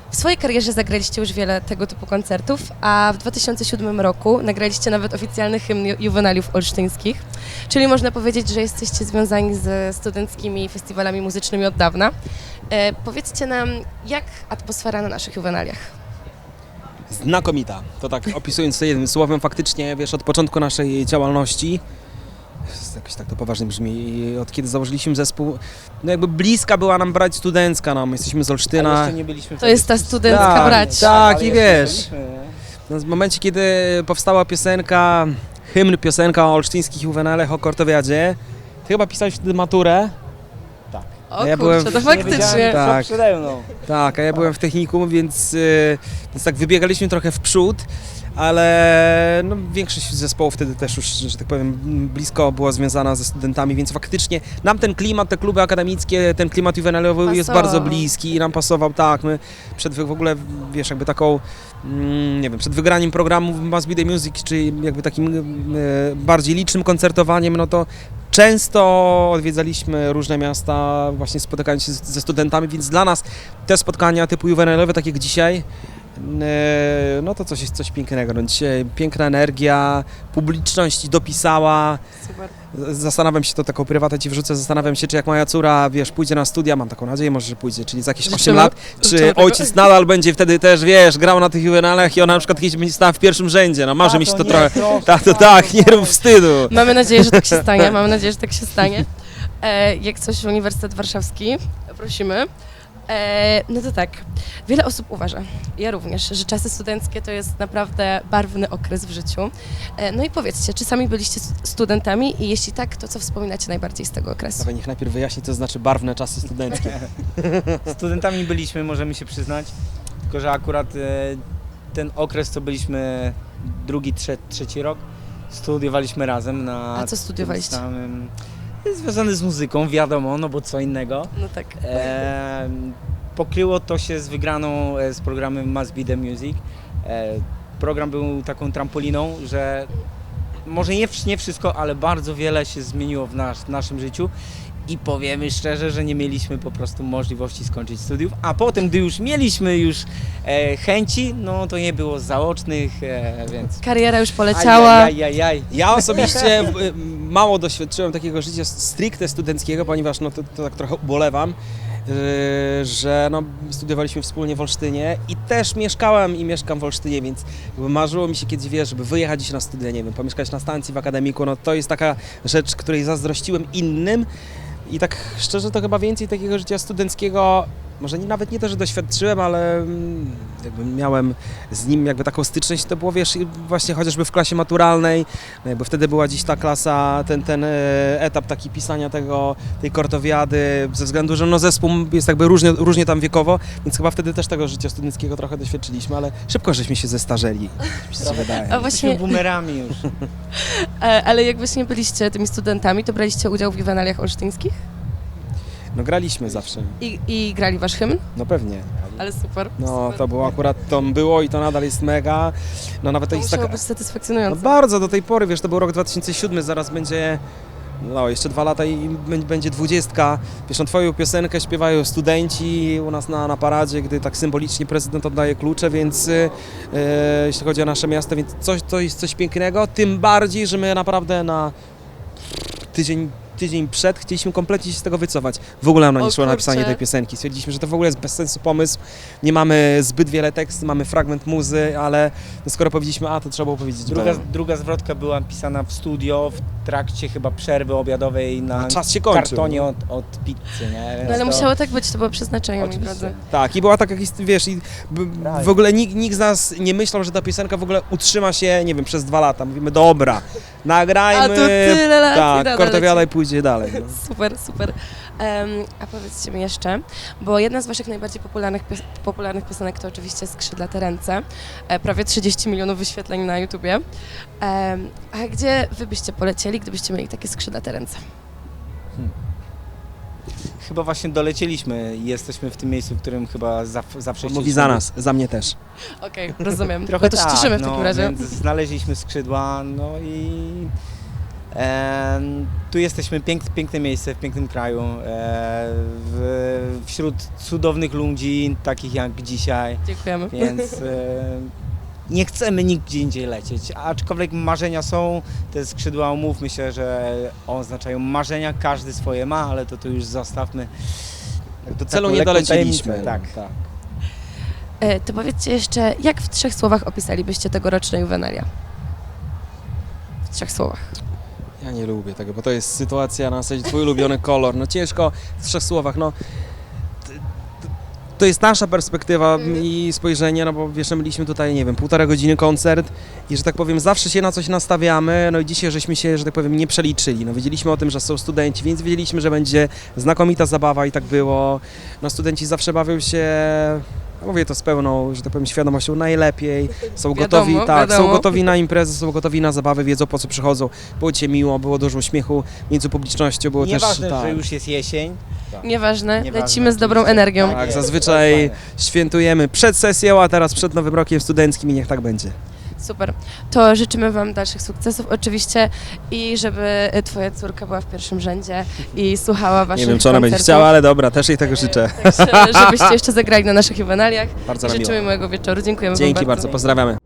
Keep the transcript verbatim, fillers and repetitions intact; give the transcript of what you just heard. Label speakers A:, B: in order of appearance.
A: W swojej karierze zagraliście już wiele tego typu koncertów, a w dwa tysiące siódmym roku nagraliście nawet oficjalny hymn Ju- juwenaliów olsztyńskich, czyli można powiedzieć, że jesteście związani ze studenckimi festiwalami muzycznymi od dawna. E, powiedzcie nam, jak atmosfera na naszych juwenaliach?
B: Znakomita. To tak opisując to jednym słowem, faktycznie, wiesz, od początku naszej działalności, jakoś tak to poważnie brzmi, od kiedy założyliśmy zespół, no jakby bliska była nam brać studencka, no, my jesteśmy z Olsztyna.
C: Ale jeszcze nie byliśmy
A: To jest ta studencka
B: Tak,
A: brać.
B: tak.
C: ale
B: i
C: jeszcze
B: wiesz.
C: byliśmy, nie?
B: No, w momencie, kiedy powstała piosenka, hymn, piosenka o olsztyńskich juwenalach, o Kortowiadzie, ty chyba pisałeś wtedy maturę?
C: Tak.
A: O
B: ja
A: kurczę,
B: byłem w-
A: to
B: nie
A: faktycznie.
C: wiedziałem, co
B: Tak.
C: przede mną.
B: Tak, a ja byłem w technikum, więc, y, więc tak wybiegaliśmy trochę w przód, ale no, większość zespołów wtedy też już, że tak powiem, blisko była związana ze studentami, więc faktycznie nam ten klimat, te kluby akademickie, ten klimat juwenalowy jest
A: Pasował.
B: bardzo bliski i nam pasował, tak, my przed wy- w ogóle, wiesz, jakby taką, mm, nie wiem, przed wygraniem programu Must Be The Music, czy jakby takim y, bardziej licznym koncertowaniem, no to często odwiedzaliśmy różne miasta, właśnie spotykając się z- ze studentami, więc dla nas te spotkania typu juwenalowe, tak jak dzisiaj, e, no to coś jest coś pięknego. No dzisiaj piękna energia, publiczność dopisała.
A: Super.
B: Zastanawiam się, to taką prywatę ci wrzucę, zastanawiam się, czy jak moja córa, wiesz, pójdzie na studia, mam taką nadzieję, może, że pójdzie, czyli za jakieś osiem
A: Życzymy-
B: lat,
A: życzymy
B: czy
A: tego.
B: ojciec nadal będzie wtedy też, wiesz, grał na tych juwenalach i ona na przykład kiedyś będzie stała w pierwszym rzędzie, no marzy mi się to
C: nie,
B: trochę.
C: proszę,
B: Tak, to tak, nie rób wstydu.
A: Mamy nadzieję, że tak się stanie. Mamy nadzieję, że tak się stanie. E, jak coś Uniwersytet Warszawski, prosimy. E, no to tak, wiele osób uważa, ja również, że czasy studenckie to jest naprawdę barwny okres w życiu. E, no i powiedzcie, czy sami byliście stu- studentami i jeśli tak, to co wspominacie najbardziej z tego okresu?
B: Dawaj, niech najpierw wyjaśni, co to znaczy barwne czasy studenckie.
C: Studentami byliśmy, możemy się przyznać, tylko że akurat e, ten okres, co byliśmy drugi, trze, trzeci rok, studiowaliśmy razem na...
A: A co studiowaliście?
C: tym Samym, związane z muzyką, wiadomo, no bo co innego.
A: No tak.
C: E, pokryło to się z wygraną e, z programem Must Be The Music. E, program był taką trampoliną, że może nie, wsz- nie wszystko, ale bardzo wiele się zmieniło w, nasz, w naszym życiu i powiemy szczerze, że nie mieliśmy po prostu możliwości skończyć studiów, a potem, gdy już mieliśmy już e, chęci, no to nie było zaocznych, e, więc...
A: Kariera już poleciała.
C: Ajajajajaj.
B: Ja osobiście y, mało doświadczyłem takiego życia stricte studenckiego, ponieważ no to, to tak trochę ubolewam, y, że no, studiowaliśmy wspólnie w Olsztynie i też mieszkałem i mieszkam w Olsztynie, więc jakby marzyło mi się kiedyś, wiesz, żeby wyjechać gdzieś na studia, nie wiem, pomieszkać na stacji w akademiku, no to jest taka rzecz, której zazdrościłem innym i tak szczerze to chyba więcej takiego życia studenckiego, może nie, nawet nie to, że doświadczyłem, ale mm, jakby miałem z nim jakby taką styczność, to było, wiesz, właśnie chociażby w klasie maturalnej, no jakby wtedy była dziś ta klasa, ten, ten e, etap taki pisania tego, tej kortowiady, ze względu, że no zespół jest jakby różnie, różnie tam wiekowo, więc chyba wtedy też tego życia studenckiego trochę doświadczyliśmy, ale szybko żeśmy się zestarzeli, mi się wydaje.
A: A właśnie,
C: Jesteśmy boomerami już.
A: e, ale jak właśnie byliście tymi studentami, to braliście udział w juwenaliach olsztyńskich
B: No graliśmy zawsze,
A: i, i grali wasz hymn,
B: no pewnie.
A: ale super.
B: No
A: super.
B: to było akurat, to było i to nadal jest mega, no nawet to
A: To
B: jest
A: musiało
B: taka...
A: być
B: No
A: satysfakcjonujące.
B: bardzo do tej pory, wiesz, to był rok dwa tysiące siódmy, zaraz będzie, no jeszcze dwa lata i b- będzie dwudziestka. Wiesz, no twoją piosenkę śpiewają studenci u nas na, na paradzie, gdy tak symbolicznie prezydent oddaje klucze, więc e, jeśli chodzi o nasze miasto, więc coś, to jest coś pięknego, tym bardziej, że my naprawdę na tydzień tydzień przed chcieliśmy kompletnie się z tego wycofać. W ogóle nam
A: O
B: nie szło na
A: kurczę.
B: napisanie tej piosenki. Stwierdziliśmy, że to w ogóle jest bez sensu pomysł. Nie mamy zbyt wiele tekstu, mamy fragment muzy, ale no skoro powiedzieliśmy A, to trzeba było powiedzieć
C: Druga,
B: B.
C: druga zwrotka była pisana w studio, w trakcie chyba przerwy obiadowej na
B: A czas się kończył.
C: kartonie od, od pizzy, nie? Więc
A: No ale
C: to-
A: musiało tak być, to było przeznaczenie, moi
C: Oczywiście.
A: drodzy.
B: Tak, i była taka historia, wiesz, i b-
C: Right.
B: w ogóle nikt, nikt z nas nie myślał, że ta piosenka w ogóle utrzyma się, nie wiem, przez dwa lata. Mówimy, dobra, nagrajmy,
A: A tu tyle lat i
B: tak,
A: nadal
B: kortowiada i
A: leci.
B: pójdzie dalej. No.
A: Super, super. Em, a powiedzcie mi jeszcze, bo jedna z waszych najbardziej popularnych, pios- popularnych piosenek to oczywiście Skrzydlate ręce. E, prawie trzydzieści milionów wyświetleń na YouTubie. Em, a gdzie wy byście polecieli, gdybyście mieli takie skrzydlate ręce?
C: Chyba właśnie dolecieliśmy i jesteśmy w tym miejscu, w którym chyba zaw- zawsze
B: Mówi
C: chcieliśmy
B: za
C: być.
B: nas, za mnie też.
A: Okej, rozumiem.
C: Trochę
A: no to się
C: tak,
A: cieszymy w
C: no,
A: takim razie.
C: Więc znaleźliśmy skrzydła, no i e, tu jesteśmy, pięk, piękne miejsce w pięknym kraju, e, w, w wśród cudownych ludzi, takich jak dzisiaj,
A: Dziękujemy.
C: więc e, nie chcemy nigdzie indziej lecieć, aczkolwiek marzenia są, te skrzydła, umówmy się, że oznaczają marzenia, każdy swoje ma, ale to tu już zostawmy.
B: Do celu
C: Taką
B: nie
C: lekką
B: doleciliśmy.
C: tajemnicę, tak.
B: tak.
A: E, to powiedzcie jeszcze, jak w trzech słowach opisalibyście tegoroczne juwenalia? W trzech słowach.
B: Ja nie lubię tego, bo to jest sytuacja na zasadzie twój ulubiony kolor. No ciężko w trzech słowach, no. t- t- To jest nasza perspektywa i spojrzenie, no bo wiesz, no, mieliśmy tutaj, nie wiem, półtora godziny koncert i, że tak powiem, zawsze się na coś nastawiamy, no i dzisiaj żeśmy się, że tak powiem, nie przeliczyli. No wiedzieliśmy o tym, że są studenci, więc wiedzieliśmy, że będzie znakomita zabawa i tak było. No studenci zawsze bawią się, no, mówię to z pełną, że tak powiem, świadomością najlepiej, są
A: Wiadomo,
B: gotowi, tak,
A: wiadomo.
B: są gotowi na imprezę, są gotowi na zabawę, wiedzą po co przychodzą. Było cię miło, było dużo uśmiechu między publicznością, było
C: Nieważne,
B: też, tak.
C: że już jest jesień.
A: Nieważne,
C: Nieważne,
A: lecimy z dobrą
C: oczywiście.
A: energią.
C: Tak.
B: Tak,
C: jest,
B: zazwyczaj
C: to jest
B: świętujemy przed sesją, a teraz przed Nowym Rokiem Studenckim i niech tak będzie.
A: Super. To życzymy Wam dalszych sukcesów oczywiście i żeby Twoja córka była w pierwszym rzędzie i słuchała Waszych
B: Nie wiem, czy ona będzie
A: koncertów.
B: chciała, ale dobra, też jej tego życzę.
A: Także, żebyście jeszcze zagrali na naszych juwenaliach.
B: Bardzo nam
A: Życzymy
B: miło.
A: miłego wieczoru. Dziękujemy Wam
B: Dzięki
A: bardzo.
B: bardzo, pozdrawiamy.